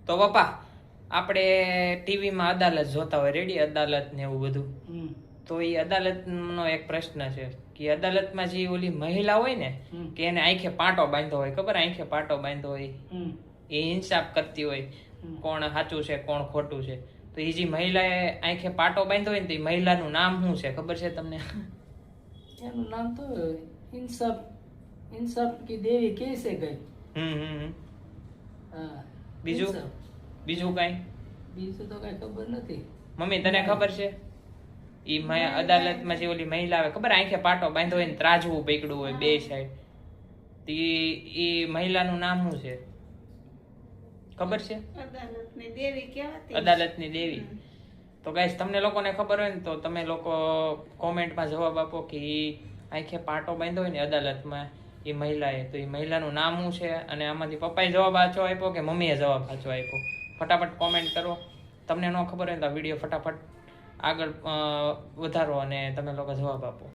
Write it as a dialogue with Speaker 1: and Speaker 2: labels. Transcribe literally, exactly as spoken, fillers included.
Speaker 1: તો પપ્પા આપણે ટીવીમાં અદાલત જોતા હોય, રેડી અદાલત ને એવું બધું. તો એ અદાલતનો એક પ્રશ્ન છે કે અદાલતમાં જે ઓલી મહિલા હોય ને કે એને આંખે પાટો બાંધ્યો હોય, ખબર આંખે પાટો બાંધ્યો હોય, એ ઇન્સાફ કરતી હોય કોણ સાચું છે કોણ ખોટું છે. તો એ જે મહિલાએ આંખે પાટો બાંધ્યો હોય ને તો એ મહિલાનું નામ શું છે ખબર છે તમને?
Speaker 2: એનું નામ તો ઇન્સાફ ઇન્સાફ કી દેવી કેસે ગઈ.
Speaker 1: હમ હમ
Speaker 2: હા.
Speaker 1: બીજું બીજું કઈ
Speaker 2: બીજું તો કઈ ખબર નથી.
Speaker 1: મમ્મી તને ખબર છે? ઈ અદાલતમાં જે ઓલી મહિલા આવે ખબર આંખે પાટો બાંધ્યો હોય ને ત્રાજવું પકડ્યું હોય બે સાઈડ, ઈ મહિલાનું નામ શું છે ખબર છે?
Speaker 3: અદાલતની દેવી કહેવાતી.
Speaker 1: અદાલતની દેવી. તો ગાઈસ તમને લોકોને ખબર હોય ને તો તમે લોકો કોમેન્ટમાં જવાબ આપો કે ઈ આંખે પાટો બાંધ્યો હોય ને અદાલતમાં એ મહિલાએ, તો એ મહિલાનું નામ શું છે? અને આમાંથી પપ્પાએ જવાબ સાચો આપ્યો કે મમ્મીએ જવાબ સાચો આપ્યો? ફટાફટ કોમેન્ટ કરો. તમને ન ખબર હોય તો આ વિડીયો ફટાફટ આગળ વધારો અને તમે લોકો જવાબ આપો.